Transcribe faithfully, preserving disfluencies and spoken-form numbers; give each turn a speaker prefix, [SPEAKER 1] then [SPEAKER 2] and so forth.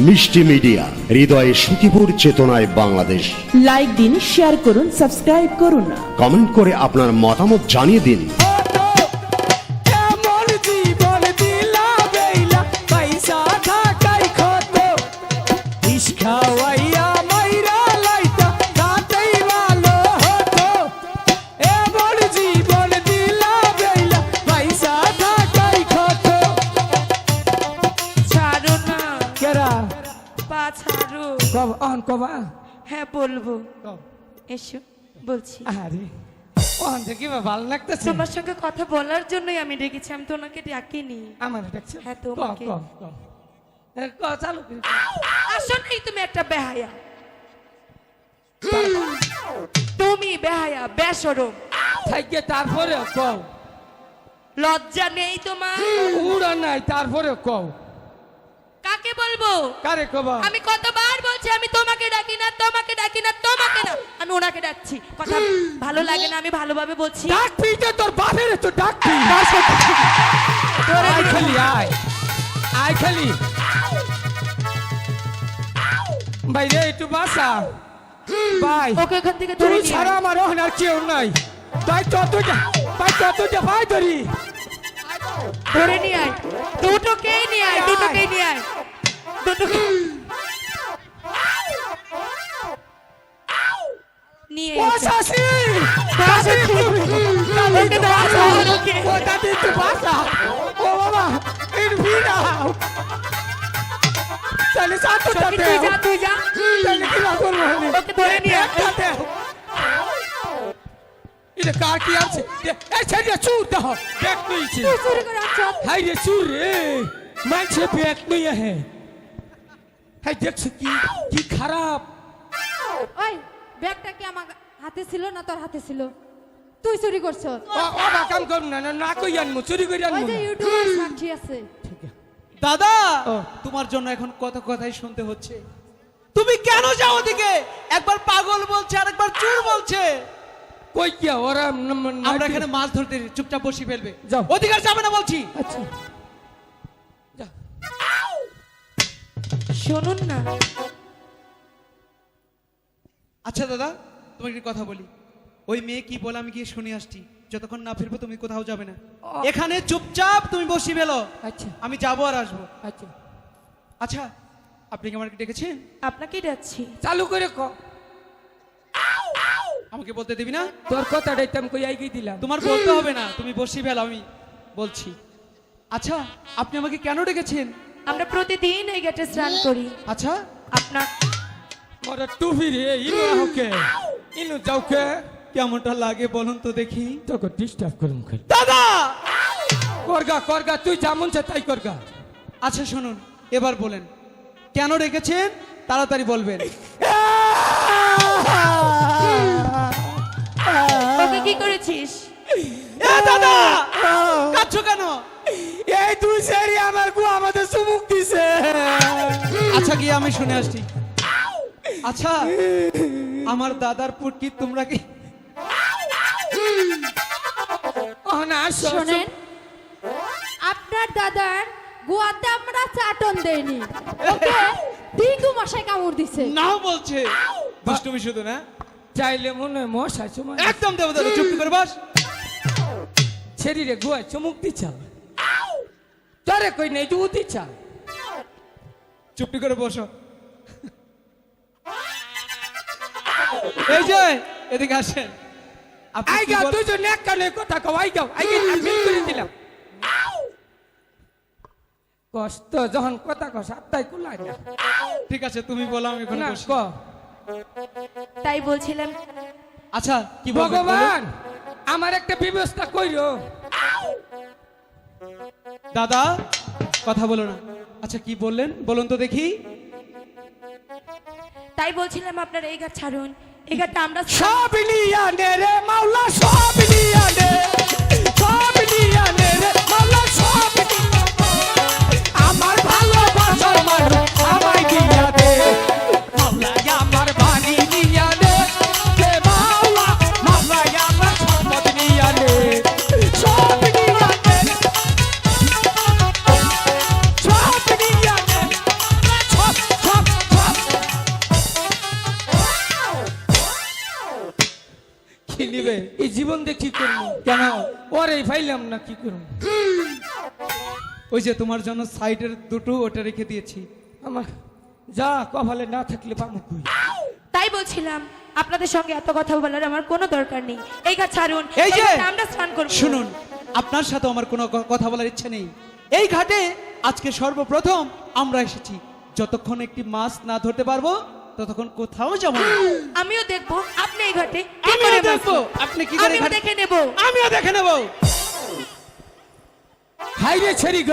[SPEAKER 1] মিষ্টি মিডিয়া, হৃদয়ে সুখীপুর, চেতনায় বাংলাদেশ।
[SPEAKER 2] লাইক দিন, শেয়ার করুন, সাবস্ক্রাইব করুন,
[SPEAKER 1] কমেন্ট করে আপনার মতামত জানিয়ে দিন।
[SPEAKER 3] হ্যাঁ বলবো, এসো বলছি।
[SPEAKER 4] আরে ওখান থেকে ভালো লাগতেছে।
[SPEAKER 3] তোমার সঙ্গে কথা বলার জন্যই আমি ডেকেছি, আমি তো ওনাকে ডাকিনি।
[SPEAKER 4] আমার ডাকছে?
[SPEAKER 3] হ্যাঁ তোমাকে।
[SPEAKER 4] চালু
[SPEAKER 3] আসো নাই, তুমি একটা বেহায়া, তুমি বেহায়া বেশরম।
[SPEAKER 4] থাইকে তারপরে কও,
[SPEAKER 3] লজ্জা নেই তোমার?
[SPEAKER 4] উড়া নাই, তারপরে কও।
[SPEAKER 3] কাকে বলবো?
[SPEAKER 4] কারে কবা?
[SPEAKER 3] আমি কতবার বলছি আমি তোমাকে ডাকি না, তোমাকে ডাকি না, তোমাকে না, আমি ওনাকে ডাকছি। কথা ভালো লাগে না, আমি ভালোভাবে বলছি।
[SPEAKER 4] ডাকবি তো তোর বাপের, তো ডাকবি। আয় খালি আয়, আয় খালি। ভাই রে একটু বাসা ভাই,
[SPEAKER 3] ওকে এখান থেকে ধরে
[SPEAKER 4] তুই
[SPEAKER 3] নিয়ে
[SPEAKER 4] ছাড়া
[SPEAKER 3] আয়।
[SPEAKER 4] আমার ওখানে আর কেউ নাই। তাই ততটা, তাই ততটা ভাই ধরি
[SPEAKER 3] ধরে নিয়ে আয়, দুটোকেই নিয়ে আয়, দুটোকেই নিয়ে আয়, দুটোকে নিয়ে এসো।
[SPEAKER 4] বাসাসি
[SPEAKER 3] বাসা ওকে বাসা ওকে
[SPEAKER 4] ও দাদি একটু বাসা। ও বাবা একটু ভিড়াও, তাহলে সাথে
[SPEAKER 3] সখী, তুই যা, তুই যা,
[SPEAKER 4] তাহলে কি করবো?
[SPEAKER 3] ওকে ধরে নিয়ে আয়।
[SPEAKER 4] এটা কার কি আছে? এই ছেড়ে চুর দাও, ব্যাগ নিয়েছে।
[SPEAKER 3] তুই চুরি করে আনছ?
[SPEAKER 4] হাই রে চুর রে, মানছে ব্যাগ নিয়ে হে। হাই দেখছো কি কি খারাপ।
[SPEAKER 5] ওই ব্যাগটা কি আমার হাতে ছিল না তোর হাতে ছিল? তুই চুরি করছ?
[SPEAKER 4] ও বাবা কাম কর না, না কই আনমু, চুরি করে
[SPEAKER 5] ওই
[SPEAKER 4] আনমু
[SPEAKER 5] যে
[SPEAKER 4] না।
[SPEAKER 5] ইউটিউবার সাক্ষী আছে।
[SPEAKER 6] দাদা,
[SPEAKER 4] ও।
[SPEAKER 6] তোমার জন্য এখন কত কথাই শুনতে হচ্ছে। তুমি কেন যাও ওদিকে? একবার পাগল বলছে, আর একবার চোর বলছে।
[SPEAKER 4] কই গিয়া ওরা?
[SPEAKER 6] আমরা এখানে মাছ ধরতে, চুপচাপ বসি ফেলবে।
[SPEAKER 4] যাও।
[SPEAKER 6] অধিকার যাবে না বলছি।
[SPEAKER 4] আচ্ছা যা।
[SPEAKER 3] শুনুন না,
[SPEAKER 6] আচ্ছা দাদা, তোমাকে একটা কথা বলি। ওই মেয়ে কি বলে আমি গিয়ে শুনে আসছি। যতক্ষণ না ফিরবো তুমি কোথাও যাবে না, এখানে চুপচাপ তুমি বসি ফেলো।
[SPEAKER 4] আচ্ছা
[SPEAKER 6] আমি যাবো আর আসবো।
[SPEAKER 4] আচ্ছা
[SPEAKER 6] আচ্ছা, আপনি কি আমাকে ডেকেছেন?
[SPEAKER 3] আপনাকেই ডাকছি।
[SPEAKER 4] চালু করে ক।
[SPEAKER 6] আমাকে বলতে দিবি না?
[SPEAKER 4] তোর কথাটাই তো আমি কই আইগি দিলাম।
[SPEAKER 6] তোমার বলতে হবে না, তুমি বসি ফেলো, আমি বলছি। আচ্ছা, আপনি আমাকে কেন ডেকেছেন?
[SPEAKER 3] আমরা প্রতিদিন এই ঘাটে স্নান করি।
[SPEAKER 6] আচ্ছা,
[SPEAKER 3] আপনার
[SPEAKER 4] মোরা টুপি রে ইনু আহকে, ইনু যাওকে।
[SPEAKER 6] কেমনটা লাগে বলুন তো দেখি।
[SPEAKER 4] তোকে ডিস্টার্ব করুম খালি।
[SPEAKER 6] দাদা,
[SPEAKER 4] করগা করগা, তুই যেমন চা তাই করগা।
[SPEAKER 6] আচ্ছা শুনুন, এবার বলেন কেন রেখেছেন, তাড়াতাড়ি বলবেন।
[SPEAKER 3] ওকে কি করেছিস?
[SPEAKER 6] এ দাদা, কাঁদছো কেন?
[SPEAKER 4] এই দুই সেরি আমার গু আমাদের চুমুক দিছে।
[SPEAKER 6] আচ্ছা গিয়ে আমি শুনে আসছি। আচ্ছা, আমার দাদার পুটকি তোমরা কি?
[SPEAKER 4] ও না শোনেন,
[SPEAKER 5] শোনেন, আপনার দাদার গোয়াতে আমরা চাটন দেইনি, ওকে ডিঙ্গু মশাই কামড় দিছে।
[SPEAKER 6] নাও বলছে দুষ্টুমি শুধু না।
[SPEAKER 4] চাইলে মনে হয় মশা চুমা।
[SPEAKER 6] একদম দেবো দাদা, চুপ করে বস।
[SPEAKER 4] শরীরে গুয়া চুমুক দিছা, তোরে কই নেই জু দিছা।
[SPEAKER 6] চুপটি করে বসো। এই যে এদিকে আসেন। আপনি কি
[SPEAKER 4] আইগা
[SPEAKER 6] বল-
[SPEAKER 4] তুই যে নেক কানে কথা কও, আইগা আইগা আমি করে দিলাম। কষ্ট যখন কথা কস আত্মাই কুলাই না।
[SPEAKER 6] ঠিক আছে, তুমি বলো, আমি এখন
[SPEAKER 4] না
[SPEAKER 6] বসি।
[SPEAKER 4] ক।
[SPEAKER 3] তাই বলছিলাম,
[SPEAKER 6] আচ্ছা কি বলবেন বলুন?
[SPEAKER 4] ভগবান আমার একটা ব্যবস্থা কইরো।
[SPEAKER 6] দাদা, কথা বলো না। আচ্ছা কি বললেন বলুন তো দেখি।
[SPEAKER 3] তাই বলছিলাম আপনার এই ঘাট ছাড়ুন, এই ঘাটটা আমরা
[SPEAKER 4] সব নিয়া নে রে মাওলা, সব নিয়া নে, সব নিয়া নে রে মাওলা, সব নিয়া নে। আমার ভালোবাসার মানুষ আমায় দিয়া দে মাওলা, আমার বাড়ি নিয়া নে, হে মাওলা, মাওলা আমার সম্পদ নিয়া নে, সব নিয়া নে, সব নিয়া নে, সব জীবন দিয়ে কি করবো কেন ওরে ফাইলাম না কি করবো
[SPEAKER 6] ওই যে তোমার জন্য সাইডের দুটো ওটা রেখে দিয়েছি।
[SPEAKER 4] আমার যা কপালে না থাকলে পামুক কই
[SPEAKER 3] তাই বলছিলাম আপনাদের সঙ্গে এত কথা বলার আমার কোনো দরকার নেই। এই ঘাট ছাড়ুন,
[SPEAKER 6] এই যে
[SPEAKER 3] ঘাটে আমরা স্নান করব।
[SPEAKER 6] শুনুন, আপনার সাথে আমার কোনো ক- কথা বলার ইচ্ছে নেই। এই ঘাটে আজকে সর্বপ্রথম আমরা এসেছি। যতক্ষণ একটি মাছ না ধরতে পারবো ততক্ষণ কোথাও যাবো না।
[SPEAKER 3] আমিও দেখবো আপনি এই ঘাটে কি
[SPEAKER 6] আমিও
[SPEAKER 3] করে মাছ
[SPEAKER 6] দেখবো
[SPEAKER 3] ধরেন।
[SPEAKER 6] আপনি কি করে
[SPEAKER 3] আমিও
[SPEAKER 6] ঘাটে-
[SPEAKER 3] দেখে নেব।
[SPEAKER 6] আমিও দেখে নেবো।
[SPEAKER 4] হাইরে ছেড়ি